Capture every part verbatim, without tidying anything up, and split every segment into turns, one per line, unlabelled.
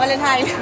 เลนไทน์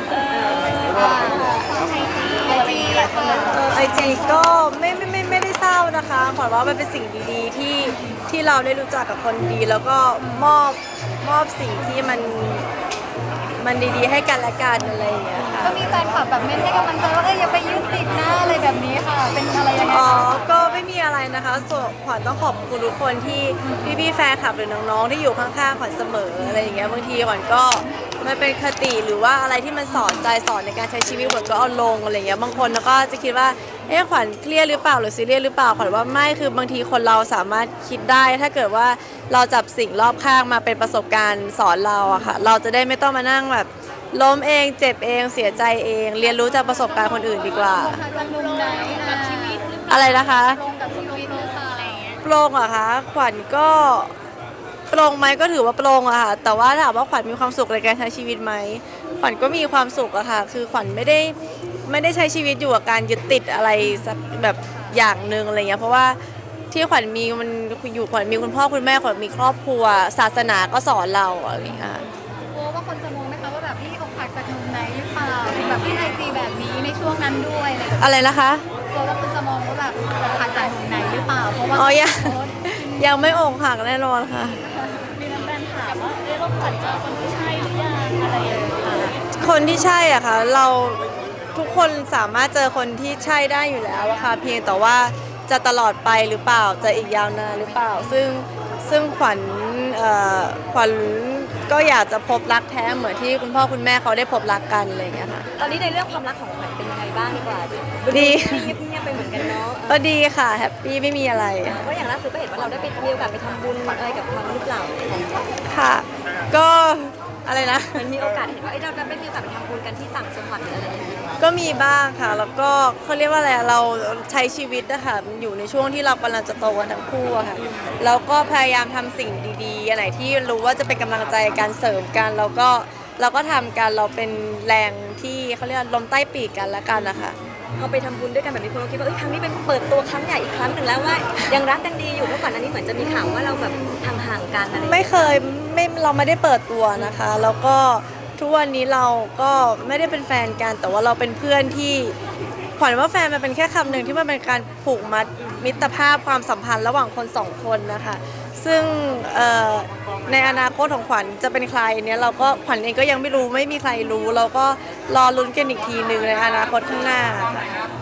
ไอจีหลายคนเลย
ไอจีก็ไม่ไม่ไม่ไม่ได้เศร้านะคะขวัญว่ามันเป็นสิ่งดีๆที่ที่เราได้รู้จักกับคนดี แล้วก็มอบมอบสิ่งที่มันมันดีๆให้กันและกันอะไรอย่างเงี้ยค่ะ
ก็มีแฟนคลับแบบเม้นให้กำลังใจว่าเอ้ยอย่าไปยึดติดนะอะไรแบบนี้ค่ะเป็นอะไรยังไง
อ๋อก็ไม่มีอะไรนะคะส่วนขวัญต้องขอบคุณทุกคนที่พี่ๆแฟนคลับหรือน้องๆที่อยู่ข้างๆขวัญเสมออะไรอย่างเงี้ยบางทีขวัญก็มันเป็นคติหรือว่าอะไรที่มันสอนใจสอนในการใช้ชีวิตขวัญก็เอาลงอะไรเงี้ยบางคนก็จะคิดว่าเอ๊ะขวัญเครียดหรือเปล่าหรือซีเรียสหรือเปล่าขวัญว่าไม่คือบางทีคนเราสามารถคิดได้ถ้าเกิดว่าเราจับสิ่งรอบข้างมาเป็นประสบการณ์สอนเราอะค่ะเราจะได้ไม่ต้องมานั่งแบบล้มเองเจ็บเองเสียใจเองเรียนรู้จากประสบการณ์คนอื่นดีกว่า
จากมุมไหนกับชีวิต
อะไรนะคะ
ตรงกับชีวิตหรือเปล่าอะไรอย่างเงี้ย
โปร่งอะคะขวัญก็โปร่งไหมก็ถือว่าโปร่งอะค่ะแต่ว่าถามว่าขวัญมีความสุขในการใช้ชีวิตไหมขวัญก็มีความสุขอะค่ะคือขวัญไม่ได้ไม่ได้ใช้ชีวิตอยู่กับการยึดติดอะไรสักแบบอย่างหนึ่งอะไรเงี้ยเพราะว่าที่ขวัญมีมันอยู่ขวัญมีคุณพ่อคุณแม่ขวัญมีครอบครัวศาสนาก็สอนเราอะไรอย่างเงี้ย
กลัวว่าคนจะมองไหมคะว่าแบบพี่อกหักจากมุมไหนหรือเปล่าแบบพี่ไอจีแบบนี้ในช่วงนั้นด้วยอะไรแบบนี้
อะไรนะคะ
กลัวว่าคนจะมองว่าแบบอกหักจากมุมไหนหรือเปล่าเพราะว่า
อ๋อยังยังไม่อกหักแน่นอนค่ะ
มีแฟนถามว่าเอ๊ะเราผันเจอคนที่ใช่หรือยังอะไรอย่างเงี้ย
คนที่ใช่อะค่ะเราทุกคนสามารถเจอคนที่ใช่ได้อยู่แล้วอะค่ะเพียงแต่ว่าจะตลอดไปหรือเปล่าจะอีกยาวนานหรือเปล่าซึ่งซึ่งขวัญขวัญก็อยากจะพบรักแท้เหมือนที่คุณพ่อคุณแม่เขาได้พบรักกันอะไรอย่างเงี้ยค่ะ
ตอนนี้ในเรื่องความรักของขวัญเป็นยังไงบ้างดีกว่า
ดี
เงียบๆไปเหมือนกันเนาะ
ก็ดีค่ะแฮปปี้ไม่มีอะไร
เพราะอย่างล่าสุดก็เห็นว่าเราได้ไปมีโอกาสไปทำบุญอะไรกับเขาหรือเปล่า
ค่ะก็อะไรนะ
มันมีโอกาสเห็นว่าเราได้มีโอกาสไปทำบุญกันที่ต่างจังหวัดหรืออะไรอย่างเงี้ย
ก็มีบ้างค่ะแล้วก็เขาเรียกว่าอะไรเราใช้ชีวิตนะคะอยู่ในช่วงที่เรากำลังจะโตกันทั้งคู่อะค่ะแล้วก็พยายามทำสิ่งดีๆอะไรที่รู้ว่าจะเป็นกำลังใจการเสริมกันแล้วก็เราก็ทำกันเราเป็นแรงที่เขาเรียกลมใต้ปีกกันละกันนะคะ
พอไปทำบุญด้วยกันแบบนี้คนก็คิดว่าเอ้ยครั้งนี้เป็นเปิดตัวครั้งใหญ่อีกครั้งหนึ่งแล้วว่ายังรักกันดีอยู่เมื่อก่อนอันนี้เหมือนจะมีข่าวว่าเราแบบห่างๆกันอะไร
ไม่เคยไม่เราไม่ได้เปิดตัวนะคะแล้วก็ทุกวันนี้เราก็ไม่ได้เป็นแฟนกันแต่ว่าเราเป็นเพื่อนที่ขวัญว่าแฟนมันเป็นแค่คำหนึ่งที่มันเป็นการผูกมัดมิตรภาพความสัมพันธ์ระหว่างคนสองคนนะคะซึ่งในอนาคตของขวัญจะเป็นใครเนี่ยเราก็ขวัญเองก็ยังไม่รู้ไม่มีใครรู้เราก็รอลุ้นกันอีกทีหนึ่งในอนาคตข้างหน้าค่ะ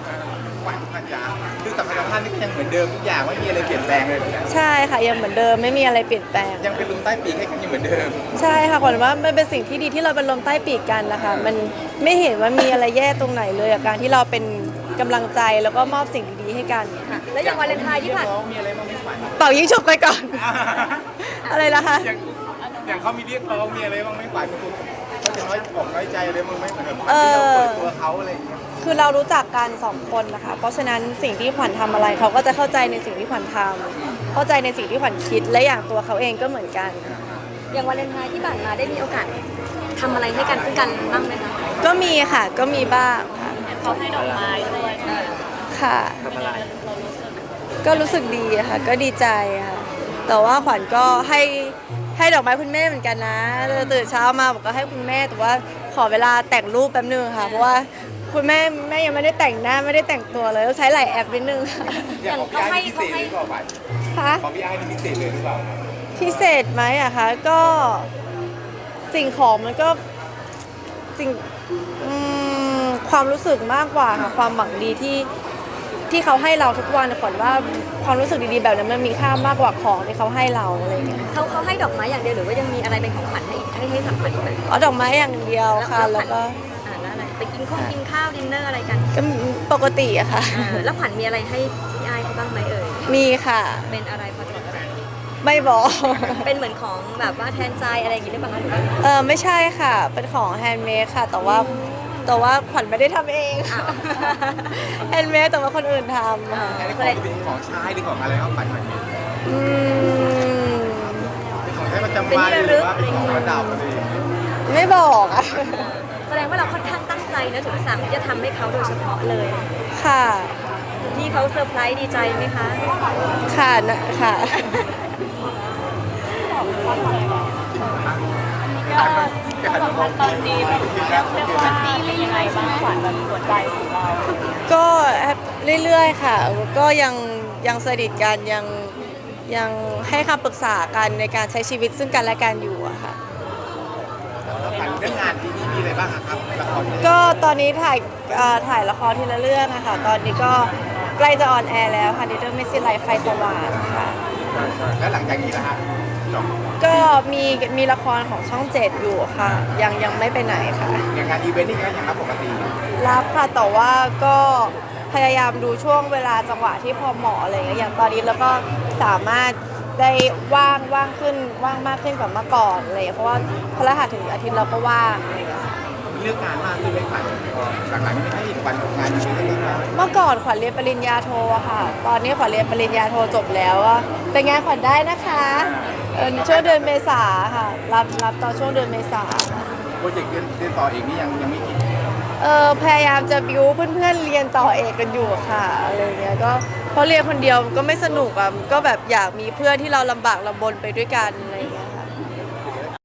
คือสัมพันธ์ท่านนี่ยังเหมือนเดิมทุกอย่างไม่มีอะไรเปลี่ยนแปลงเลย
ใช่ค่ะยังเหมือนเดิมไม่มีอะไรเปลี่ยนแปลง
ยังเป็นลมใต้ปีกให้กันอยู่เหมือนเดิม
ใช่ค่ะขวัญว่ามันเป็นสิ่งที่ดีที่เราเป็นลมใต้ปีกกันนะคะมันไม่เห็นว่ามีอะไรแย่ตรงไหนเลยกับการที่เราเป็นกำลังใจแล้วก็มอบสิ่งดีๆให้กัน
ค่ะแล้วอย่างวาเลนไทน์ที่ผ่าน
มีอะไรบ้างไหมขวัญ
เป่ายิงฉุบไปก่อนอะไรนะคะ
อย่างเขามีเรียกร้องมีอะไรบ้างไหมขวัญเขาจะน้อยอกน้อยใจอะไรบ้างไหมเหมือนแบบที่เราเปิดตัวเขาอะไรอย่างเงี้ย
คือเรารู้จักกันสองคนนะคะเพราะฉะนั้นสิ่งที่ขวัญทำอะไรเขาก็จะเข้าใจในสิ่งที่ขวัญทำเข้าใจในสิ่งที่ขวัญคิดและอย่างตัวเขาเองก็เหมือนกัน
อย่างวาเลนไทน์ที่ผ่านมาได้มีโอกาสทำอะไรให้กันซึ่งกันบ้างไหมคะ
ก็มีค่ะก็มีบ้างค่ะ
เขาให้ดอกไม้ด้วย
ค่ะก็รู้สึกดีค่ะก็ดีใจค่ะแต่ว่าขวัญก็ให้ให้ดอกไม้คุณแม่เหมือนกันนะตื่นเช้ามาบอกก็ให้คุณแม่แต่ว่าขอเวลาแต่งรูปแป๊บนึงค่ะเพราะว่าคุณแม่แม่ยังไม่ได้แต่งหน้าไม่ได้แต่งตัวเลยต้องใช้หลายแอปนิดนึงค่ะ
อย่างเขาให้เขาให้
ค่ะ
ของพี่ไอ้นี่พิเศษเลยหรือเปล่า
พิเศษไหมอะคะก็สิ่งของมันก็สิ่งความรู้สึกมากกว่าค่ะความหวังดีที่ที่เขาให้เราทุกวันขวัญว่าความรู้สึกดีๆแบบนั้นมันมีค่ามากกว่าของที่เขาให้เราอะไรเงี้ย
เขาเขาให้ดอกไม้อย่างเดียวหรือว่ายังมีอะไรเป็นของขวัญให้ให้ให้สัมผัสอีกไหม
อ๋อดอกไม้อย่างเดียวค่ะแล้วก็
อ่าแล้วอะไรไปกินข้าวกินข้าวดินเนอร์อะไรกัน
ก็ปกติอะค่ะ
แล้วขวัญมีอะไรให้พี่ไอ้เขาบ้างไหมเอ่ย
มีค่ะ
เป็นอะไรพอจะบอกได้
ไม่บอก
เป็นเหมือนของแบบว่าแทนใจอะไรอย่างงี้หรือเปล่าคะ
เออไม่ใช่ค่ะเป็นของแฮนด์เมดค่ะแต่ว่าแต่ว่าขวัญไม่ได้ทำเองแฮนด์เมดแต่ว่าคนอื่นทำ
ค่ะอันนี้ของเป็นของใช้หรือของอะไรครับขวัญขวัญมี
อืม
เป็นของใช้ประจำวันหรือว่าเป็นของประดับอะไร
ไม่บอกอะ
แสดงว่าเราค่อนข้างตั้งใจนะถึงสั่งที่จะทำให้เขาโดยเฉพาะเลย
ค่ะ
ที่เขาเซอร์ไพรส์ดีใจไหมคะ
ค่ะนะค่ะ
ก
ยอดความสัมพันธ์ตอนนี้แบบเรียกเรียกว่าดีเป็นยังไงบ้างขวัญแบบหัวใจของเรา
ก็เรื่อยๆค่ะ ก็ยังยังสนิทกันยังยังให้คำปรึกษากันในการใช้ชีวิตซึ่งกันและกันอยู่อะค่ะ
แล้วผ่านเรื่องงานที่นี่มีอะไรบ้างอะครับละคร
ก็ตอนนี้ถ่ายเอ่อถ่ายละครทีละเรื่องอะค่ะ ตอนนี้ก็ใกล้จะออนแอร์แล้วค่ะในเรื่องเมสซี่ไลฟ์ไฟสว่างค่ะ
แล้วหลังจากนี้ล่ะฮะจบ
ก็มีมีละครของช่องเจ็ดอยู่ค่ะ ยังยังไม่ไปไหนค่ะ
อย่างงานอีเวนต์นี่ก็ยังรับปกติ
รับค่ะแต่ว่าก็พยายามดูช่วงเวลาจังหวะที่พอเหมาะอะไรอย่างเงี้ยอย่างตอนนี้แล้วก็สามารถได้ว่างว่างขึ้นว่างมากขึ้นกว่าเมื่อก่อนอะไรอย่างเงี้ยเพราะว่าพฤหัสถึงอาทิตย์เราก็ว่างอะไรอย่างเงี้ย
เรื่องงานมากขึ้นไหมขวัญหลังๆนี่ไม่ให้ขวัญทำงานอีเวนต์เลยนะ
เมื่อก่อนขวัญเรียนปริญญาโทอะค่ะ ตอนนี้ขวัญเรียนปริญญาโทจบแล้วอะแต่งานขวัญได้นะคะเออช่วงเดือนเมษาค่ะ รับรับตอนช่วงเดือนเมษาค่ะ
โปรเจกต์เรียนเรียนต่อเองนี่ยังยังไม่คิด
เออพยายามจะบิวเพื่อนๆเรียนต่อเอกกันอยู่ค่ะอะไรเงี้ยก็เพราะเรียนคนเดียวก็ไม่สนุกอะก็แบบอยากมีเพื่อนที่เราลำบากลำบนไปด้วยกันอะไร